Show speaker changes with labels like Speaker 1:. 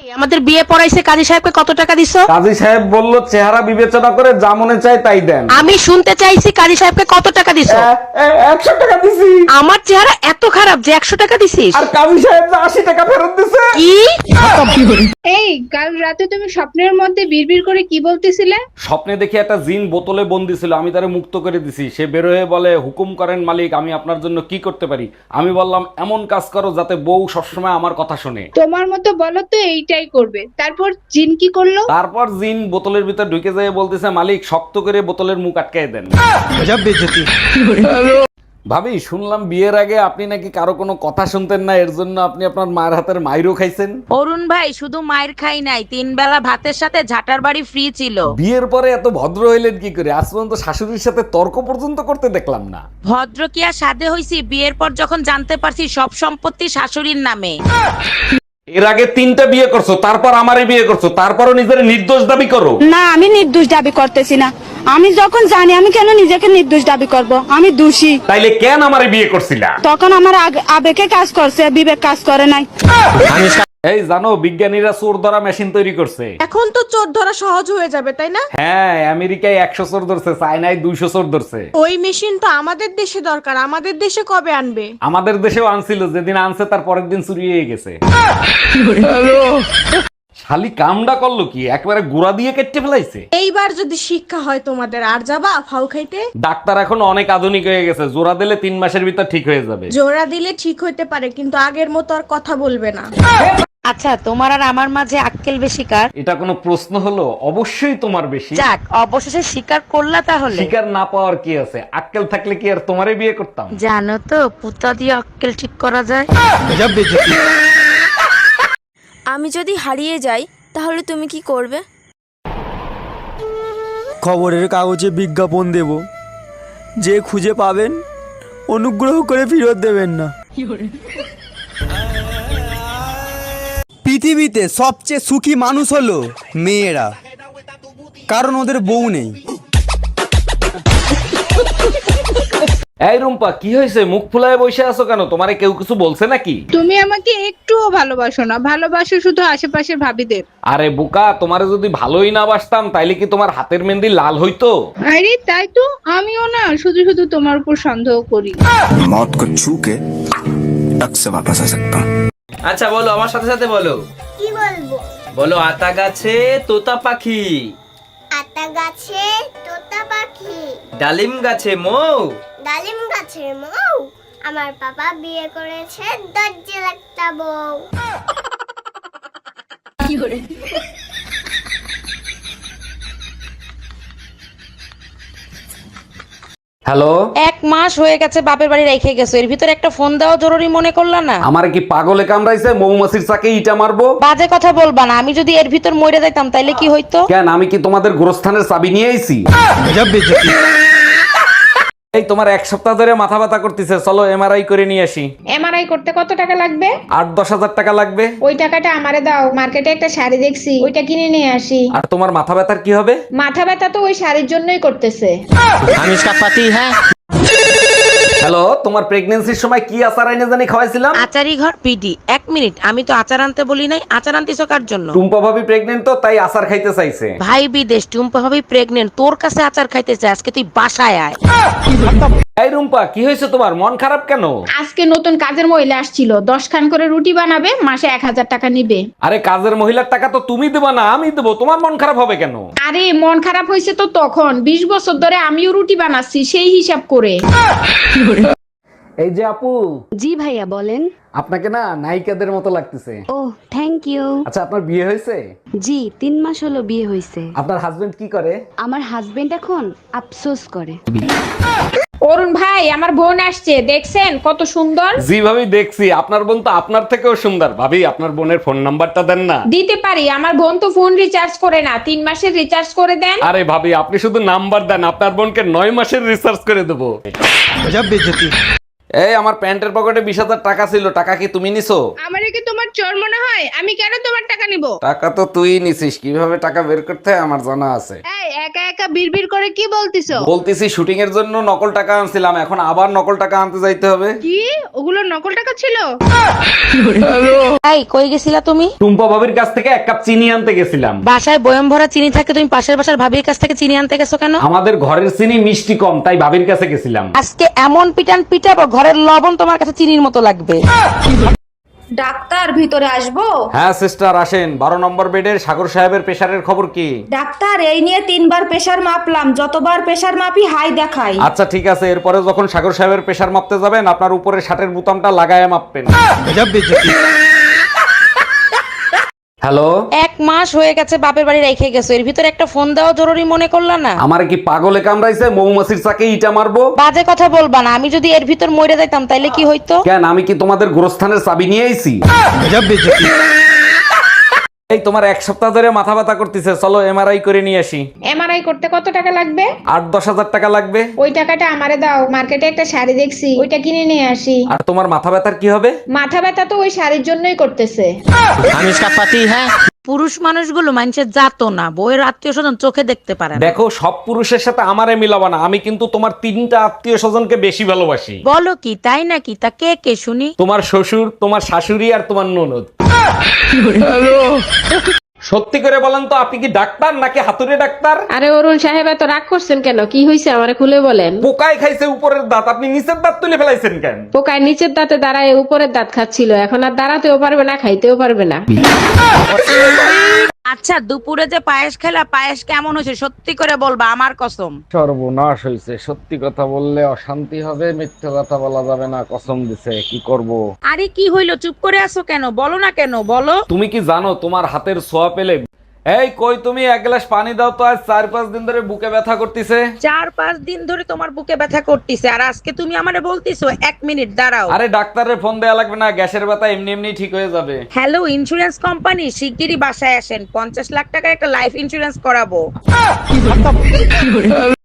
Speaker 1: আমাদের বিয়ে পড়াইছে কাজী সাহেবকে কত টাকা দিছো?
Speaker 2: কাজী সাহেব বলল চেহারা বিবেচনা করে যা মনে চায় তাই দেন।
Speaker 1: আমি শুনতে চাইছি কাজী সাহেবকে কত টাকা দিছো?
Speaker 2: 100 টাকা দিছি।
Speaker 1: আমার চেহারা এত খারাপ যে 100 টাকা দিছিস?
Speaker 2: আর কাজী সাহেব 80 টাকা ফেরত দিছে।
Speaker 1: কি?
Speaker 3: এই কাল রাতে তুমি স্বপ্নের মধ্যে বিড়বিড় করে কি বলতেছিলে?
Speaker 2: স্বপ্নে দেখি একটা জিন বোতলে বন্দি ছিল, আমি তারে মুক্ত করে দিছি। সে বের হয়ে বলে, হুকুম করেন মালিক, আমি আপনার জন্য কি করতে পারি? আমি বললাম, এমন কাজ করো যাতে বউ সবসময় আমার কথা শোনে।
Speaker 3: তোমার মতো বলো তো এইটাই করবে। তারপর জিন কি করলো?
Speaker 2: তারপর জিন বোতলের ভিতর ঢুকে যায়, বলতেছে মালিক শক্ত করে বোতলের মুখ আটকায় দেন। ভাবি, শুনলাম বিয়ের আগে আপনি নাকি কারো কোনো কথা শুনতেন না, এর জন্য আপনি আপনার মায়ের হাতের মাইরও খাইছেন।
Speaker 1: অরুণ ভাই, শুধু মায়ের খাই নাই, 3 বেলা ভাতের সাথে ঝাটার বাড়ি ফ্রি ছিল।
Speaker 2: বিয়ের পরে এত ভদ্র হইলেন কি করে? আজ পর্যন্ত শাশুড়ির সাথে তর্ক পর্যন্ত করতে দেখলাম না।
Speaker 1: ভদ্র কি আর সাধে হইছি? বিয়ের পর যখন জানতে পারছি সব সম্পত্তি শাশুড়ির নামে।
Speaker 2: এর আগে 3টা বিয়ে করছো, তারপর আমারে বিয়ে করছো, তারপরও নিজের নির্দোষ দাবি করো।
Speaker 4: না, আমি নির্দোষ দাবি করতেছি না। আমি যখন জানি, আমি কেন নিজেকে নির্দোষ দাবি করব? আমি দোষী।
Speaker 2: তাইলে কেন আমারে বিয়ে করছিলা?
Speaker 4: তখন আমার আবেগে কাজ করছে, বিবেক কাজ করে নাই।
Speaker 2: এই জানো, বিজ্ঞানীরা চোর ধরা মেশিন তৈরি করছে।
Speaker 1: এখন তো চোর ধরা সহজ হয়ে যাবে, তাই না?
Speaker 2: হ্যাঁ, আমেরিকায় 100 চোর ধরছে, চায়নায় 200 চোর ধরছে।
Speaker 1: ওই মেশিন তো আমাদের দেশে দরকার, আমাদের দেশে কবে আনবে?
Speaker 2: আমাদের দেশেও আনছিল, যেদিন আনছে তার পরের দিন চুরি হয়ে গেছে। শালি কামডা করলো কি, একবারে গুড়া দিয়ে কেটে ফেলাইছে।
Speaker 1: এইবার যদি শিক্ষা হয় তোমাদের, আর যাবা ফাউ খাইতে?
Speaker 2: ডাক্তার এখন অনেক আধুনিক হয়ে গেছে, জোড়া দিলে 3 মাসের ভিতর ঠিক হয়ে যাবে।
Speaker 1: জোড়া দিলে ঠিক হইতে পারে, কিন্তু আগের মতো আর কথা বলবে না। আচ্ছা, তোমার আর আমার মাঝে আক্কেল বেশি কার?
Speaker 2: এটা কোনো প্রশ্ন হলো? অবশ্যই তোমার বেশি।
Speaker 1: যাক, অবশেষে স্বীকার করলা তাহলে।
Speaker 2: শিকার না পাওয়ার কি আছে? আক্কেল থাকলে কি আর তোমারে বিয়ে করতাম?
Speaker 1: জানো তো, পুতা দিয়ে আক্কেল ঠিক করা যায়।
Speaker 5: আমি যদি হারিয়ে যাই তাহলে তুমি কি করবে?
Speaker 6: খবরের কাগজে বিজ্ঞাপন দেব, যে খুঁজে পাবেন অনুগ্রহ করে ফেরত দেবেন না। পৃথিবীতে সবচেয়ে সুখী মানুষ হলো মেয়েরা, কারণ ওদের বউ নেই।
Speaker 2: এই রুম্পা, কি হয়েছে? মুখ ফুলায় বসে আছো কেন? তোমারে কেউ কিছু বলছে নাকি?
Speaker 3: তুমি আমাকে একটুও ভালোবাসো না, ভালোবাসো শুধু আশেপাশের ভাবিদের।
Speaker 2: আরে বোকা, তোমারে যদি ভালোই না বাসতাম তাইলে কি তোমার হাতের মেহেন্দি লাল হইতো?
Speaker 3: আরে তাই তো, আমিও না শুধু শুধু তোমার উপর সন্দেহ করি।
Speaker 7: मौत को छू के टक से वापस आ सकता हूँ।
Speaker 8: আচ্ছা বলো, আমার সাথে সাথে বলো।
Speaker 9: কি বলবো?
Speaker 8: বলো, আতা গাছে তোতা পাখি,
Speaker 9: আতা গাছে তোতা পাখি,
Speaker 8: ডালিম গাছে মৌ।
Speaker 9: ডালিম গাছের মৌ। আমার বাবা বিয়ে করেছে দরজে একটা বউ।
Speaker 2: হ্যালো,
Speaker 1: 1 মাস হয়ে গেছে বাপের বাড়ি রেখে গেছো, এর ভিতরে একটা ফোন দেওয়া জরুরি মনে করলা না?
Speaker 2: আমার কি পাগলে কামড়াইছে? মৌমাছির চাকে ইটা মারবো?
Speaker 1: বাজে কথা বলবা না। আমি যদি এর ভিতর মরে যাইতাম তাইলে কি হইতো?
Speaker 2: কেন, আমি কি তোমাদের গোরস্থানের চাবি নিয়ে আইছি? এই তোমার 1 সপ্তাহ ধরে মাথা ব্যথা করতেছে, চলো এমআরআই করে নিয়ে আসি।
Speaker 3: এমআরআই করতে কত টাকা লাগবে?
Speaker 2: 8-10 হাজার টাকা লাগবে।
Speaker 3: ওই টাকাটা আমারে দাও, মার্কেটে একটা শাড়ি দেখছি, ওইটা কিনে নিয়ে আসি।
Speaker 2: আর তোমার মাথা ব্যথার কি হবে?
Speaker 3: মাথা ব্যথা তো ওই শাড়ির জন্যই করতেছে।
Speaker 8: আমি ইসকা পাতি হ্যাঁ।
Speaker 2: হ্যালো, তোমার প্রেগন্যান্সির সময় কি আচার আইনে জানি খাওয়াইছিলাম?
Speaker 1: আচারি ঘর পিডি। 1 মিনিট, আমি তো আচার আনতে বলি নাই। আচার আনতেছো কার জন্য?
Speaker 2: টুম্পা ভাবি প্রেগনেন্ট তো, তাই আচার খাইতে চাইছে।
Speaker 1: ভাই বিদেশ, টুম্পা ভাবি প্রেগনেন্ট, তোর কাছে আচার খাইতে চাই। আজকে তুই বাসায় আয়।
Speaker 2: এই রুম্পা, কি হয়েছে তোমার? মন খারাপ কেন?
Speaker 3: আজকে নতুন কাজের মহিলা আসছিল, 10 খান করে রুটি বানাবে, মাসে 1000 টাকা নিবে।
Speaker 2: আরে কাজের মহিলার টাকা তো তুমি দেবা না, আমি দেবো। তোমার মন খারাপ হবে কেন?
Speaker 3: আরে মন খারাপ হয়েছে তো তখন, 20 বছর ধরে আমিও রুটি বানাচ্ছি, সেই হিসাব করে।
Speaker 2: এই যে আপু,
Speaker 4: জি ভাইয়া, বলেন।
Speaker 2: আপনাকে না নায়িকাদের মতো লাগতেছে।
Speaker 4: ও, থ্যাংক ইউ।
Speaker 2: আচ্ছা, আপনার বিয়ে হয়েছে?
Speaker 4: জি, 3 মাস হলো বিয়ে হয়েছে।
Speaker 2: আপনার হাজবেন্ড কি করে?
Speaker 4: আমার হাজবেন্ড এখন আফসোস করে।
Speaker 3: অরুণ ভাই, আমার বোন আসছে, দেখছেন কত সুন্দর?
Speaker 2: জি ভাবি, দেখছি। আপনার বোন তো আপনার থেকেও সুন্দর। ভাবি, আপনার বোনের ফোন নাম্বারটা দেন না।
Speaker 3: দিতে পারি, আমার বোন তো ফোন রিচার্জ করে না, 3 মাসের রিচার্জ করে দেন।
Speaker 2: আরে ভাবি, আপনি শুধু নাম্বার দেন, আপনার বোনকে 9 মাসের রিসার্চ করে দেবো। এই আমার প্যান্টের পকেটে 20,000 টাকা ছিল, টাকা কি তুমি নিছো?
Speaker 3: আমারে কি তোমার চোর মনে হয়? আমি কেন তোমার টাকা নিব?
Speaker 2: টাকা তো তুই নিছিস, কিভাবে টাকা বের করতে হয় আমার জানা আছে।
Speaker 3: এই একা একা বিড়বিড় করে কি বলতিছো?
Speaker 2: বলতেছি শুটিং এর জন্য নকল টাকা আনছিলাম, এখন আবার নকল টাকা আনতে যাইতে হবে।
Speaker 3: কি ওগুলো নকল টাকা ছিল?
Speaker 1: এই কই গেছিলা তুমি?
Speaker 2: টুম্পা ভাবির কাছ থেকে 1 কাপ চিনি আনতে গেছিলাম।
Speaker 1: বাসায় বয়ম ভরা চিনি থাকে, তুমি পাশের বাসার ভাবির কাছ থেকে চিনি আনতে গেছো কেন?
Speaker 2: আমাদের ঘরের চিনি মিষ্টি কম, তাই ভাবির কাছে গেছিলাম।
Speaker 1: আজকে এমন পিটান পিটাবো ঘরের লবণ তোমার কাছে চিনির মতো লাগবে।
Speaker 4: ডাক্তার ভিতরে আসবো?
Speaker 2: হ্যাঁ সিস্টার আসেন। 12 নম্বর বেডের সাগর সাহেবের প্রেসারের খবর কি?
Speaker 4: ডাক্তার এই নিয়ে 3বার প্রেসার মাপলাম, যতবার প্রেসার মাপি হাই দেখাই।
Speaker 2: আচ্ছা ঠিক আছে, এরপরে যখন সাগর সাহেবের প্রেসার মাপতে যাবেন আপনার উপরে শার্টের বোতামটা লাগায় মাপবেন। হ্যালো,
Speaker 1: 1 মাস হয়ে গেছে বাপের বাড়ি রেখে গেছো, এর ভিতরে একটা ফোন দেওয়া জরুরি মনে করলা না?
Speaker 2: আমার কি পাগলে কামড়াইছে মৌমাছির চাকে ইটা মারবো?
Speaker 1: বাজে কথা বলবা না, আমি যদি এর ভিতর মরে যাইতাম তাইলে কি হইতো?
Speaker 2: কেন, আমি কি তোমাদের গোরস্থানের চাবি নিয়ে আইছি? এই তোমার 1 সপ্তাহ ধরে মাথা ব্যথা করতেছে, চলো এমআরআই করে নিয়ে আসি।
Speaker 3: এমআরআই করতে কত টাকা লাগবে?
Speaker 2: 8-10 হাজার টাকা লাগবে।
Speaker 3: ওই টাকাটা আমারে দাও, মার্কেটে একটা শাড়ি দেখছি, ওইটা কিনে নিয়ে আসি।
Speaker 2: আর তোমার মাথা ব্যথার কি হবে?
Speaker 3: মাথা ব্যথা তো ওই শাড়ির জন্যই করতেছে।
Speaker 8: हम इसका पति है।
Speaker 1: পুরুষ মানুষগুলো মানুষের জাতো না, বউয়ের আত্মীয় স্বজন চোখে দেখতে পারে না।
Speaker 2: দেখো সব পুরুষের সাথে আমারে মিলাবা না, আমি কিন্তু তোমার 3টা আত্মীয় স্বজনকে বেশি ভালোবাসি।
Speaker 1: বলো কি, তাই নাকি? তা কে কে শুনি?
Speaker 2: তোমার শ্বশুর, তোমার শাশুড়ি আর তোমার ননদ। সত্যি করে বলেন তো, আপনি কি ডাক্তার নাকি হাতুড়ে ডাক্তার?
Speaker 3: আরে অরুণ সাহেব এত রাগ করছেন কেন? কি হয়েছে আমারে খুলে বলেন।
Speaker 2: পোকায় খাইছে উপরের দাঁত, আপনি নিচের দাঁত তুলে ফেলাইছেন কেন?
Speaker 3: পোকায় নিচের দাঁতে দাঁড়ায় উপরের দাঁত খাচ্ছিল, এখন আর দাঁড়াতেও পারবে না, খাইতেও পারবে না।
Speaker 1: আচ্ছা দুপুরে যে পায়েস খেলা, পায়েস কেমন হয়েছে সত্যি করে বলবা, আমার কসম।
Speaker 2: সর্বনাশ হয়েছে, সত্যি কথা বললে অশান্তি হবে, মিথ্যে কথা বলা যাবে না, কসম দিছে, কি করব?
Speaker 1: আরে কি হইলো, চুপ করে আছো কেন? বলো না কেন, বলো।
Speaker 2: তুমি কি জানো তোমার হাতের ছোঁয়া পেলে, এই কই তুমি 1 গ্লাস পানি দাও তো, আজ 4-5 দিন ধরে বুকে ব্যথা করতেছে।
Speaker 1: 4-5 দিন ধরে তোমার বুকে ব্যথা করতেছে, আর আজকে তুমি আমারে বলতিছো 1 মিনিট দাঁড়াও।
Speaker 2: আরে ডাক্তারের ফোন দেয়া লাগবে না, গ্যাসের ব্যথা এমনি এমনি ঠিক হয়ে যাবে।
Speaker 1: হ্যালো ইন্স্যুরেন্স কোম্পানি, শিগগিরই বাসায় আসেন, 50 লাখ টাকার একটা লাইফ ইন্স্যুরেন্স করাবো।